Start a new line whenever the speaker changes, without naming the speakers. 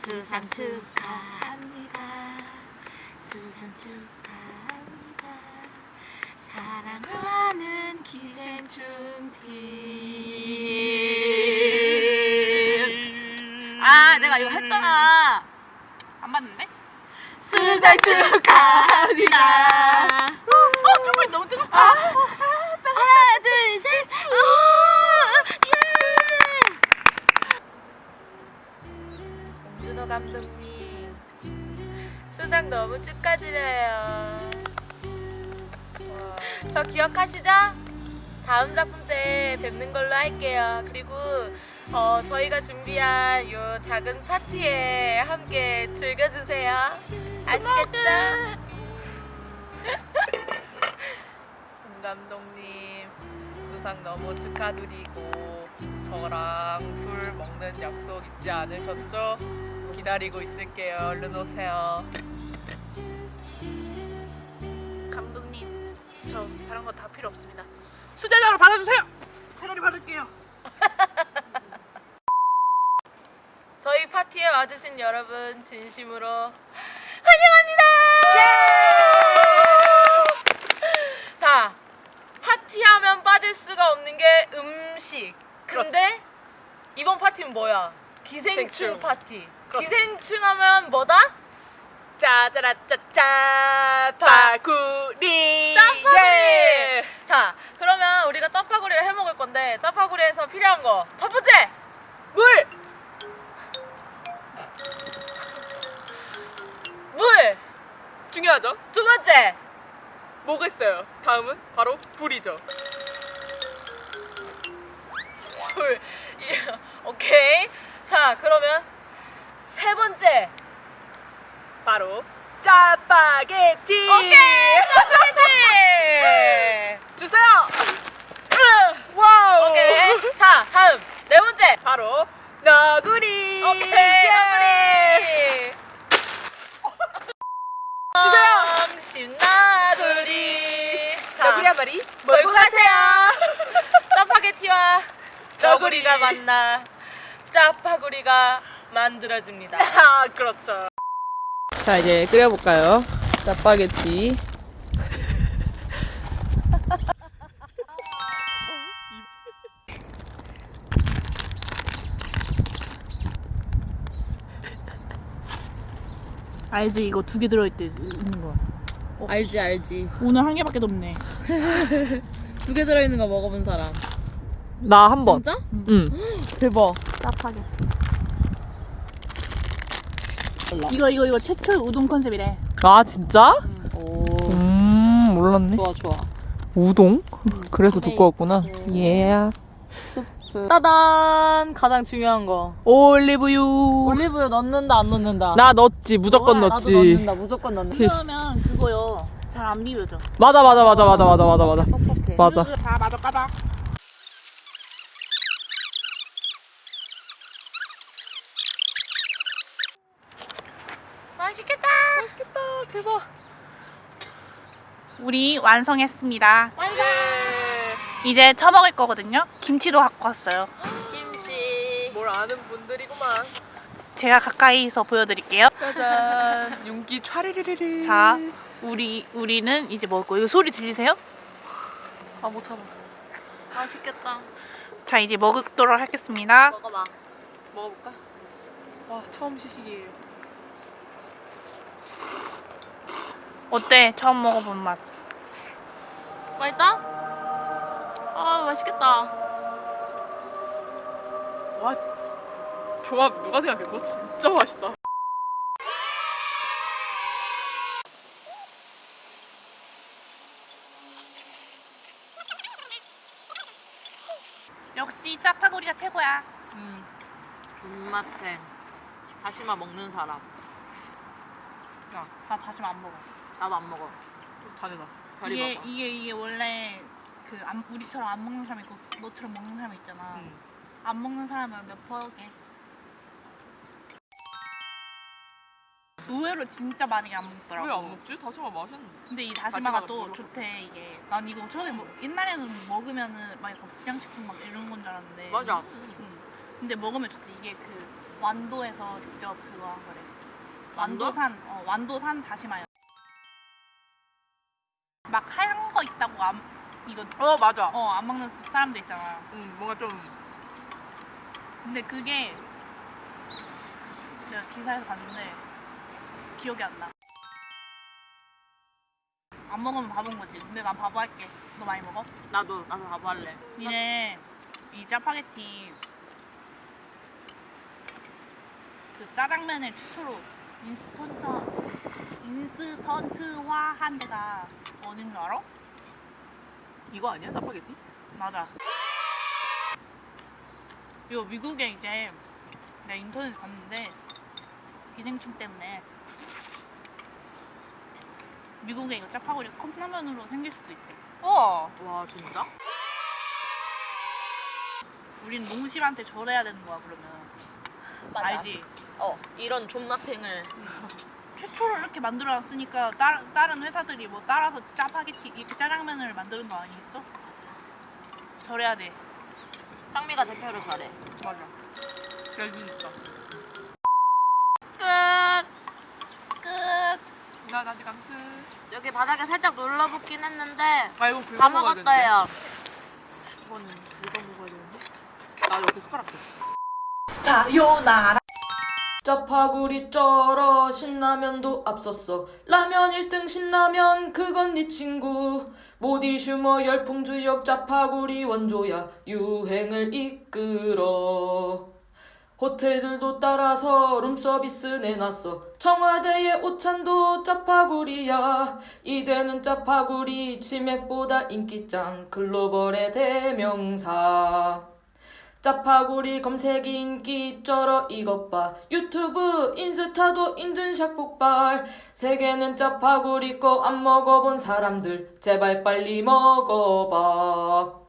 수상 축하합니다. 수상 축하합니다. 사랑하는 기생충 팀. 아, 내가 이거 했잖아.
안 맞는데?
수상 축하합니다.
정말 너무 뜨겁다.
하나, 둘, 셋. 예. 봉준호 감독님, 수상 너무 축하드려요. 저 기억하시죠? 다음 작품 때 뵙는 걸로 할게요. 그리고 저희가 준비한 요 작은 파티에 함께 즐겨주세요. 아시겠죠? 봉 감독님, 수상 너무 축하드리고 저랑 술 먹는 약속 잊지 않으셨죠? 기다리고 있을게요. 얼른 오세요.
감독님, 저 다른 거 다 필요 없습니다. 수제자로 받아주세요. 패러리 받을게요.
저희 파티에 와주신 여러분 진심으로 환영합니다. 자, 파티하면 빠질 수가 없는 게 음식. 근데 이번 파티는 뭐야? 기생충 파티.
그렇지.
기생충 하면 뭐다?
짜자라짜짜 파구리.
짜파구리.
예.
자, 그러면 우리가 짜파구리를 해 먹을 건데 짜파구리에서 필요한 거 첫 번째,
물.
물.
중요하죠.
두 번째,
뭐가 있어요? 다음은 바로 불이죠.
불. 오케이. 자, 그러면 세 번째.
바로 짜파게티.
오케이. 짜파게티.
주세요. 와우.
오케이. 자, 다음 네 번째.
바로 너구리.
오케이.
예.
너구리.
주세요.
신나구리.
너구리 한 마리
몰고
몰고
가세요.
가세요.
짜파게티와
너구리.
너구리가 만나 짜파구리가 만들어집니다.
아, 그렇죠.
자, 이제 끓여볼까요? 짜파게티.
알지, 이거 2개 들어있는 거.
알지.
오늘 1개밖에 없네.
2개 들어있는 거 먹어본 사람.
나 한 번.
진짜?
응.
대박.
짜파게티. 이거 최초의 우동 컨셉이래.
아, 진짜?
오.
몰랐네.
좋아.
우동? 그래서 두꺼웠구나. 예.
따단! 가장 중요한 거.
올리브유.
올리브유 넣는다, 안 넣는다?
나 넣었지. 무조건
나도
넣었지.
넣는다, 무조건 넣는다.
그러면 그거요. 잘 안 비벼져.
맞아.
뻑뻑해.
맞아.
자, 맞아, 까다.
맛있겠다!
대박.
우리 완성했습니다.
완성!
이제 처먹을 거거든요. 김치도 갖고 왔어요.
김치.
뭘 아는 분들이구만.
제가 가까이서 보여드릴게요.
짜잔. 윤기 촤리리리리.
자, 우리는 이제 먹을 거예요. 이거 소리 들리세요?
아, 못 참아. 맛있겠다.
자, 이제 먹도록 하겠습니다.
먹어봐.
먹어볼까? 와, 처음 시식이에요.
어때? 처음 먹어본 맛.
맛있다? 아, 맛있겠다.
와, 조합 누가 생각했어? 진짜 맛있다.
역시 짜파구리가 최고야.
존맛해. 다시마 먹는 사람.
야, 나 다시마 안 먹어.
나도 안 먹어.
다르다.
별이 먹어.
이게 원래 우리처럼 안 먹는 사람 있고 너처럼 먹는 사람 있잖아.
응.
안 먹는 사람은 몇 퍼게. 의외로 진짜 많이 안 먹더라고.
왜 안 먹지? 다시마 맛있는데.
근데 이 다시마가
다시마가
또
별로.
좋대. 이게 난 이거 처음에 옛날에는 먹으면은 막 약간 불량식품 막 이런 건 줄 알았는데.
맞아.
근데 먹으면 좋대. 이게 그 완도에서 직접 그거 한 거래.
완도?
완도산 다시마요. 막 하얀 거 있다고 이거
맞아.
안 먹는 사람들 있잖아.
뭔가 좀
근데 그게 내가 기사에서 봤는데 기억이 안 나. 안 먹으면 바본 거지. 근데 난 바보 할게. 너 많이 먹어?
나도 바보 할래.
니네 이 짜파게티 그 짜장면을 스스로 인스턴트화한 데가 어딘 줄 알아?
이거 아니야? 짜파게티?
맞아. 이거 미국에 이제 내가 인터넷에 봤는데 기생충 때문에 미국에 이거 짜파구리 컵라면으로 생길 수도 있대.
와
진짜?
우린 농심한테 절해야 되는 거야 그러면.
맞아.
알지?
이런 존맛탱을.
최초로 이렇게 만들어놨으니까 다른 회사들이 뭐 따라서 짜파게티 이렇게 짜장면을 만드는 거 아니겠어? 절해야 돼.
상미가 대표를 잘해.
맞아. 여기 있어.
끝.
끝.
아직 안 끝.
여기 바닥에 살짝 눌러붙긴 했는데
아 이거
다
긁어 먹어야 되는데.
먹었어요.
이거는 긁어 먹어야 되는데. 나 옆에 숟가락 줘.
사요나라.
짜파구리 쩔어 신라면도 앞섰어 라면 1등 신라면 그건 네 친구 모디슈머 열풍주역 짜파구리 원조야 유행을 이끌어 호텔들도 따라서 룸서비스 내놨어 청와대의 오찬도 짜파구리야 이제는 짜파구리 치맥보다 인기짱 글로벌의 대명사 짜파구리 검색이 인기 쩔어 이것 봐 유튜브 인스타도 인증샷 폭발 세계는 짜파구리 거 안 먹어본 사람들 제발 빨리 먹어봐